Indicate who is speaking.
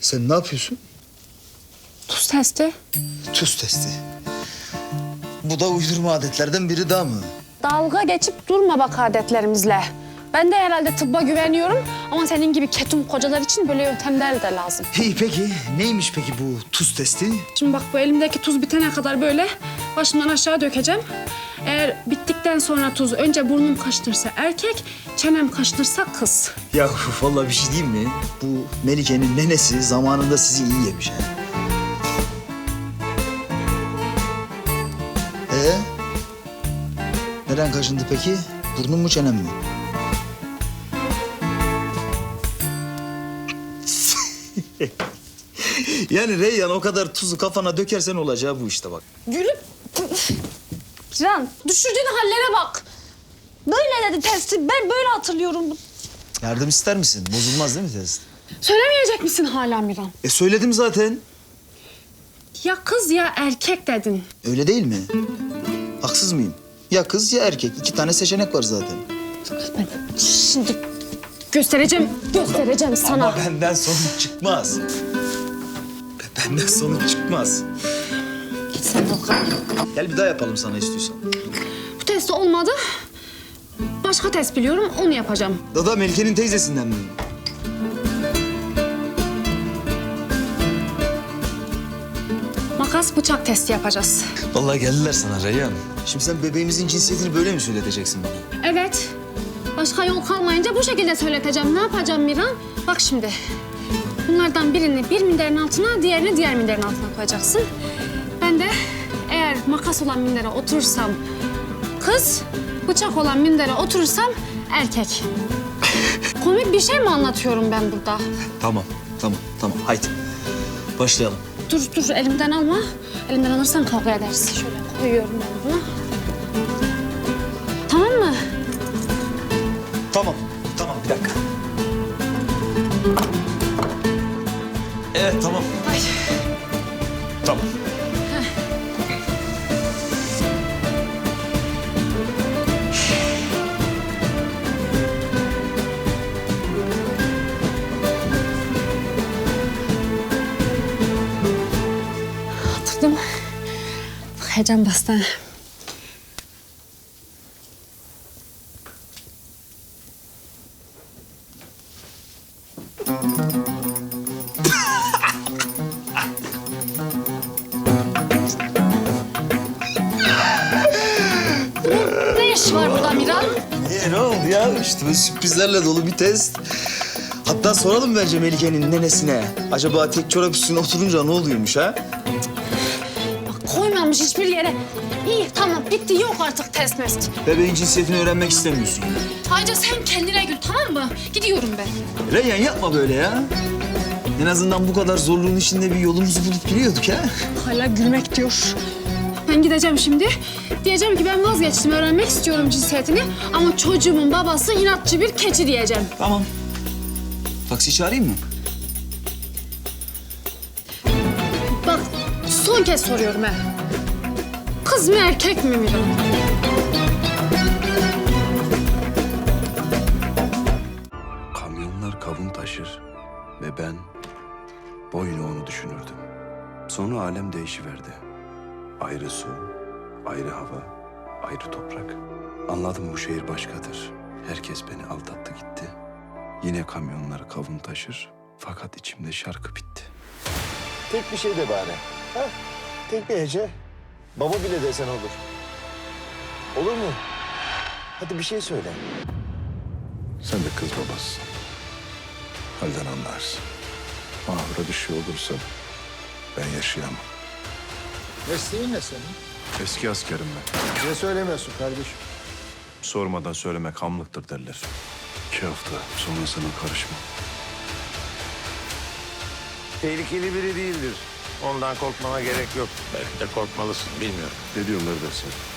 Speaker 1: Sen ne yapıyorsun?
Speaker 2: Tuz testi.
Speaker 1: Tuz testi. Bu da uydurma adetlerden biri daha mı?
Speaker 2: Dalga geçip durma bak adetlerimizle. Ben de herhalde tıbba güveniyorum ama senin gibi ketum kocalar için böyle yöntemler de lazım.
Speaker 1: İyi peki. Neymiş peki bu tuz testi?
Speaker 2: Şimdi bak bu elimdeki tuz bitene kadar böyle başımdan aşağı dökeceğim. Eğer bittikten sonra tuz önce burnum kaşınırsa erkek, çenem kaşınırsa kız.
Speaker 1: Ya vallahi bir şey diyeyim mi? Bu Melike'nin nenesi zamanında sizi iyi yemiş ha. Neren kaşındı peki? Burnun mu çenem mi? Yani Reyyan o kadar tuzu kafana dökersen olacağı bu işte bak.
Speaker 2: Gülüp... Can, düşürdüğün hallere bak. Böyle dedi testi. Ben böyle hatırlıyorum.
Speaker 1: Yardım ister misin? Bozulmaz değil mi test?
Speaker 2: Söylemeyecek misin hala Miran?
Speaker 1: Söyledim zaten.
Speaker 2: Ya kız ya erkek dedin.
Speaker 1: Öyle değil mi? Haksız mıyım? Ya kız ya erkek. 2 tane seçenek var zaten.
Speaker 2: Ben şimdi göstereceğim sana.
Speaker 1: Ama benden sonuç çıkmaz. Benden sonuç çıkmaz.
Speaker 2: Git sen bakalım.
Speaker 1: Gel bir daha yapalım sana istiyorsan.
Speaker 2: Bu test olmadı. Başka test biliyorum, onu yapacağım.
Speaker 1: Dada Melike'nin teyzesinden mi?
Speaker 2: Makas bıçak testi yapacağız.
Speaker 1: Vallahi geldiler sana Reyhan. Şimdi sen bebeğimizin cinsiyetini böyle mi söyleteceksin bana?
Speaker 2: Evet. Başka yol kalmayınca bu şekilde söyleteceğim. Ne yapacağım Miran? Bak şimdi. Bunlardan birini bir minderin altına, diğerini diğer minderin altına koyacaksın. Ben de eğer makas olan mindere oturursam kız, bıçak olan mindere oturursam erkek. Komik bir şey mi anlatıyorum ben burada?
Speaker 1: Tamam. Haydi. Başlayalım.
Speaker 2: Dur elimden alma. Elimden alırsan kavga ederiz. Şöyle koyuyorum ben bunu. Tamam mı?
Speaker 1: Tamam, bir dakika. Evet, tamam.
Speaker 2: Ay.
Speaker 1: Tamam.
Speaker 2: Oturdum. Bak heyecan bastı. Ne iş var burada Miran?
Speaker 1: Ne oldu ya? İşte böyle sürprizlerle dolu bir test. Hatta soralım bence Melike'nin nenesine. Acaba tek çorap üstüne oturunca ne oluyormuş ha?
Speaker 2: Bak koymamış hiçbir yere. İyi tamam bitti yok artık test mest.
Speaker 1: Bebeğin cinsiyetini öğrenmek istemiyorsun.
Speaker 2: Ayrıca sen kendine gül tamam mı? Gidiyorum ben.
Speaker 1: Reyhan yapma böyle ya. En azından bu kadar zorluğun içinde bir yolumuzu bulup geliyorduk ha.
Speaker 2: Hala gülmek diyor. Ben gideceğim şimdi. Diyeceğim ki ben vazgeçtim, öğrenmek istiyorum cinsiyetini. Ama çocuğumun babası inatçı bir keçi diyeceğim.
Speaker 1: Tamam. Taksi çağırayım mı?
Speaker 2: Bak son kez soruyorum ha. Kız mı erkek mi Miran?
Speaker 3: Kamyonlar kavun taşır ve ben boyuna onu düşünürdüm. Sonra alem değişiverdi. Ayrı su, ayrı hava, ayrı toprak. Anladım bu şehir başkadır. Herkes beni aldattı gitti. Yine kamyonlar kavun taşır fakat içimde şarkı bitti.
Speaker 4: Tek bir şey de bari. Ha? Tek bir hece. Baba bile desen olur. Olur mu? Hadi bir şey söyle.
Speaker 3: Sen de kız babasısın. Halden anlarsın. Mahvura bir şey olursa ben yaşayamam.
Speaker 4: Mesleğin ne senin?
Speaker 3: Eski askerim ben.
Speaker 4: Bize söylemiyorsun kardeşim.
Speaker 3: Sormadan söylemek hamlıktır derler. 2 hafta sonrasına karışma.
Speaker 4: Tehlikeli biri değildir. Ondan korkmana gerek yok. Belki de korkmalısın, bilmiyorum.
Speaker 3: Ne diyorlar dersin?